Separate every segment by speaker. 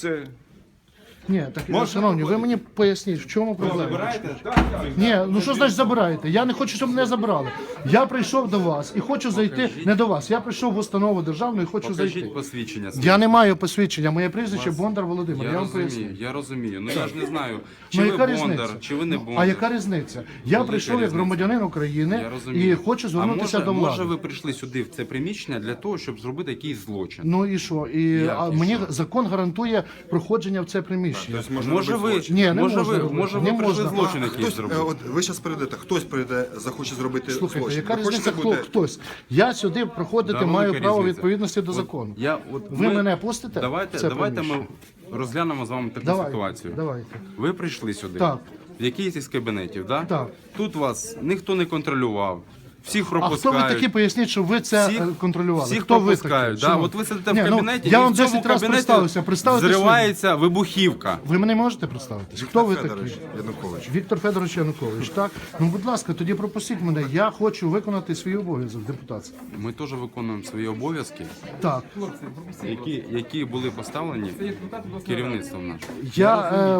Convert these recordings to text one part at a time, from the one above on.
Speaker 1: Це...
Speaker 2: Ні, так,
Speaker 1: Можна
Speaker 2: шановні, ви
Speaker 1: виходити?
Speaker 2: мені поясніть, в чому проблема?
Speaker 1: Забираєте? Так.
Speaker 2: Ні, ну що значить забираєте? Я не хочу, щоб мене забрали. Я прийшов до вас і хочу зайти, не до вас, я прийшов в установу державну і хочу зайти.
Speaker 3: Покажіть посвідчення своє.
Speaker 2: Я не маю посвідчення, моє прізвище Бондар Володимир, я вам поясню.
Speaker 3: Я розумію. Ну я ж не знаю, чи
Speaker 2: Ну
Speaker 3: ви
Speaker 2: яка
Speaker 3: Бондар,
Speaker 2: різниця?
Speaker 3: чи ви не Бондар.
Speaker 2: А яка різниця? Я
Speaker 3: Велика
Speaker 2: прийшов як
Speaker 3: різниця.
Speaker 2: громадянин України
Speaker 3: Я розумію.
Speaker 2: і хочу звернутися до влади.
Speaker 3: Може ви прийшли сюди, в це приміщення, для того, щоб зробити якийсь злочин?
Speaker 2: Ну і що?
Speaker 3: Як і
Speaker 2: Мені
Speaker 3: що?
Speaker 2: закон гарантує проходження в це приміщення.
Speaker 3: Може ви,
Speaker 2: Ні, не
Speaker 3: може
Speaker 2: можна
Speaker 3: ви,
Speaker 2: робити.
Speaker 3: може
Speaker 2: Не
Speaker 3: ви прийшли
Speaker 2: можна.
Speaker 3: злочин якийсь
Speaker 4: Хтось,
Speaker 3: зробити?
Speaker 4: от ви зараз прийдете, хтось прийде, захоче зробити
Speaker 2: Слухайте,
Speaker 4: злочин.
Speaker 2: яка
Speaker 4: Ви
Speaker 2: різниця,
Speaker 4: хочете бути-
Speaker 2: хтось? Я сюди проходити
Speaker 3: Да,
Speaker 2: маю
Speaker 3: велика
Speaker 2: право
Speaker 3: різниця.
Speaker 2: відповідності до
Speaker 3: От
Speaker 2: закону.
Speaker 3: Ви
Speaker 2: мене пустите в
Speaker 3: Давайте,
Speaker 2: це
Speaker 3: давайте ми
Speaker 2: приміщення?
Speaker 3: розглянемо з вами таку
Speaker 2: Давайте,
Speaker 3: ситуацію.
Speaker 2: давайте.
Speaker 3: Ви прийшли сюди.
Speaker 2: Так.
Speaker 3: В якийсь із кабінетів, да?
Speaker 2: Так.
Speaker 3: Тут вас ніхто не контролював. Всіх
Speaker 2: А
Speaker 3: пропускають.
Speaker 2: хто ви такі, поясніть, щоб ви це контролювали?
Speaker 3: Всіх
Speaker 2: хто ви
Speaker 3: пропускають.
Speaker 2: такі?
Speaker 3: Да?
Speaker 2: Шановні?
Speaker 3: От ви сидите
Speaker 2: Ні,
Speaker 3: в
Speaker 2: ну,
Speaker 3: кабінеті,
Speaker 2: я
Speaker 3: і
Speaker 2: вам
Speaker 3: в цьому
Speaker 2: 10 разів
Speaker 3: кабінеті
Speaker 2: представився
Speaker 3: зривається вибухівка.
Speaker 2: Ви мене можете представитись? Хто
Speaker 4: Віктор
Speaker 2: ви
Speaker 4: Федорович
Speaker 2: такі?
Speaker 4: Янукович.
Speaker 2: Віктор Федорович Янукович, так? Ну, будь ласка, тоді пропустіть мене. Я хочу виконати свій обов'язок депутатський.
Speaker 3: Ми теж виконуємо свої обов'язки,
Speaker 2: Так.
Speaker 3: які були поставлені керівництвом нашим.
Speaker 2: Я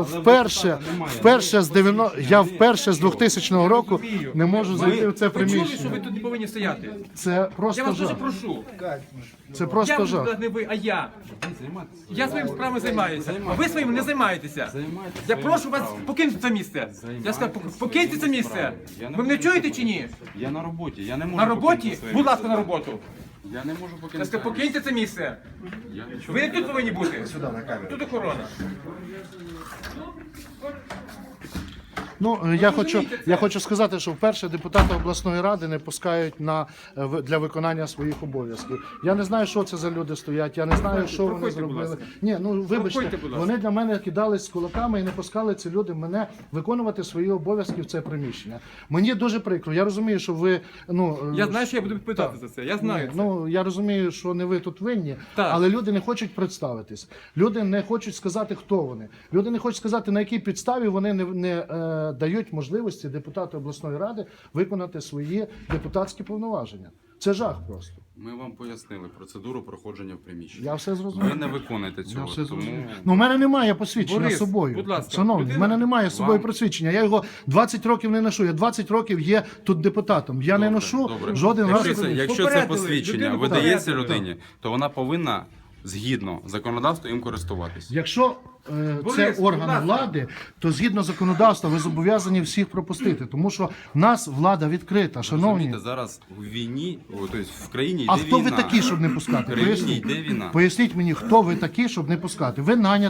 Speaker 2: вперше з 2000 року не можу зайти в це
Speaker 5: Ви чули, що
Speaker 2: приміщення.
Speaker 5: ви тут не повинні стояти?
Speaker 2: Це
Speaker 5: Я
Speaker 2: просто
Speaker 5: вас дуже
Speaker 2: жах.
Speaker 5: прошу.
Speaker 2: Це
Speaker 5: Я
Speaker 2: просто
Speaker 5: буду
Speaker 2: жах.
Speaker 5: не ви, а я. Я своїми справами займаюся, а ви своїми не займаєтеся. Я прошу вас покинути це місце. Я сказав, покиньте це місце. Ви мене чуєте чи ні?
Speaker 3: Я на роботі, я не можу
Speaker 5: На роботі?
Speaker 3: покинути своє
Speaker 5: Будь ласка, на роботу.
Speaker 3: Я не можу
Speaker 5: Я
Speaker 3: покинути.
Speaker 5: сказав, покиньте це місце.
Speaker 3: Я нічого
Speaker 5: Ви не тут повинні бути. Тут охорона.
Speaker 2: Ну, я хочу сказати, що вперше депутати обласної ради не пускають для виконання своїх обов'язків. Я не знаю, що це за люди стоять, я не знаю, що вони
Speaker 5: проходьте, будь
Speaker 2: зробили.
Speaker 5: ласка.
Speaker 2: Ні, ну вибачте,
Speaker 5: Проходьте, будь ласка.
Speaker 2: вони для мене кидались з кулаками і не пускали ці люди мене виконувати свої обов'язки в це приміщення. Мені дуже прикро. Я розумію, що ви
Speaker 5: Я знаю, що я буду відповідати за це. Я знаю це.
Speaker 2: Ну, я розумію, що не ви тут винні,
Speaker 5: Так.
Speaker 2: але люди не хочуть представитись. Люди не хочуть сказати, хто вони. Люди не хочуть сказати, на якій підставі вони не дають можливості депутату обласної ради виконати свої депутатські повноваження. Це жах просто.
Speaker 3: Ми вам пояснили процедуру проходження в приміщенні.
Speaker 2: Я все
Speaker 3: Ви
Speaker 2: зрозумів.
Speaker 3: не виконуєте цього, тому
Speaker 2: Ну, в мене немає посвідчення
Speaker 5: Борис,
Speaker 2: з собою.
Speaker 5: будь ласка,
Speaker 2: Шановні, в
Speaker 5: людина-
Speaker 2: мене немає з собою посвідчення. Я його 20 років не ношу. Я 20 років є тут депутатом. Я не ношу жоден раз.
Speaker 3: Якщо це
Speaker 5: Попередили,
Speaker 3: посвідчення
Speaker 5: людину
Speaker 3: видається
Speaker 5: попередили.
Speaker 3: людині, то вона повинна згідно законодавства їм користуватися.
Speaker 2: Якщо це
Speaker 5: Борис, будь
Speaker 2: орган
Speaker 5: ласка.
Speaker 2: влади, то згідно законодавства ви зобов'язані всіх пропустити, тому що в нас влада відкрита, шановні.
Speaker 3: Розумієте, зараз в війні, тобто в країні йде
Speaker 2: А хто
Speaker 3: війна.
Speaker 2: ви такі, щоб не пускати?
Speaker 3: В країні
Speaker 2: Поясніть.
Speaker 3: йде війна.
Speaker 2: Поясніть мені, хто ви такі, щоб не пускати? Ви наняті